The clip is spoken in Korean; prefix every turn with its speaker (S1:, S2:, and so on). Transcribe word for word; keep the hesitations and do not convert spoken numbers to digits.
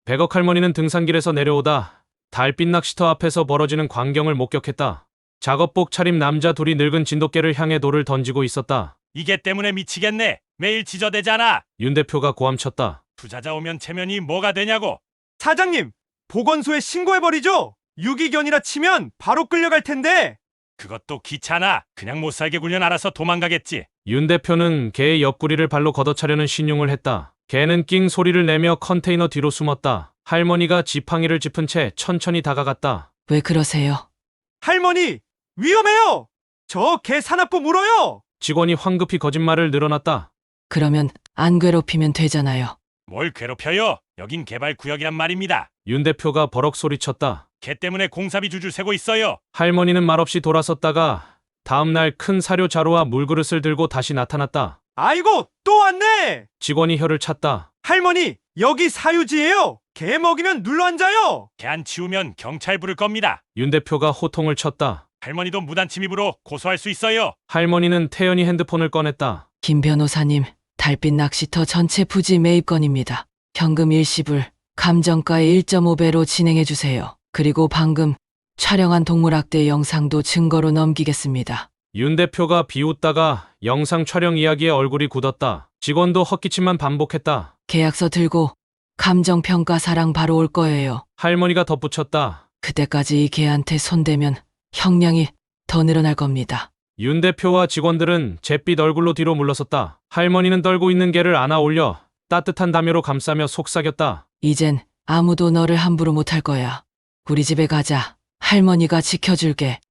S1: 백억 할머니는 등산길에서 내려오다 달빛 낚시터 앞에서 벌어지는 광경을 목격했다. 작업복 차림 남자 둘이 늙은 진돗개를 향해 돌을 던지고 있었다.
S2: 이게 때문에 미치겠네. 매일 지저대잖아.
S1: 윤 대표가 고함쳤다.
S2: 투자자 오면 체면이 뭐가 되냐고.
S3: 사장님, 보건소에 신고해버리죠? 유기견이라 치면 바로 끌려갈 텐데.
S2: 그것도 귀찮아. 그냥 못 살게 굴면 알아서 도망가겠지.
S1: 윤 대표는 개의 옆구리를 발로 걷어차려는 신용을 했다. 개는 낑 소리를 내며 컨테이너 뒤로 숨었다. 할머니가 지팡이를 짚은 채 천천히 다가갔다.
S4: 왜 그러세요?
S3: 할머니, 위험해요! 저 개 사납고 물어요!
S1: 직원이 황급히 거짓말을 늘어놨다.
S4: 그러면 안 괴롭히면 되잖아요.
S2: 뭘 괴롭혀요? 여긴 개발구역이란 말입니다.
S1: 윤 대표가 버럭 소리쳤다.
S2: 개 때문에 공사비 줄줄 세고 있어요.
S1: 할머니는 말없이 돌아섰다가 다음날 큰 사료 자루와 물그릇을 들고 다시 나타났다.
S3: 아이고, 또 왔네!
S1: 직원이 혀를 찼다.
S3: 할머니, 여기 사유지예요! 개 먹이면 눌러 앉아요!
S2: 개 안 치우면 경찰 부를 겁니다.
S1: 윤 대표가 호통을 쳤다.
S2: 할머니도 무단 침입으로 고소할 수 있어요.
S1: 할머니는 태연히 핸드폰을 꺼냈다.
S4: 김 변호사님, 달빛 낚시터 전체 부지 매입건입니다. 현금 일시불, 감정가의 일 점 오 배로 진행해 주세요. 그리고 방금 촬영한 동물학대 영상도 증거로 넘기겠습니다.
S1: 윤 대표가 비웃다가 영상 촬영 이야기에 얼굴이 굳었다. 직원도 헛기침만 반복했다.
S4: 계약서 들고 감정평가사랑 바로 올 거예요.
S1: 할머니가 덧붙였다.
S4: 그때까지 이 개한테 손대면 형량이 더 늘어날 겁니다.
S1: 윤 대표와 직원들은 잿빛 얼굴로 뒤로 물러섰다. 할머니는 떨고 있는 개를 안아 올려 따뜻한 담요로 감싸며 속삭였다.
S4: 이젠 아무도 너를 함부로 못할 거야. 우리 집에 가자. 할머니가 지켜줄게.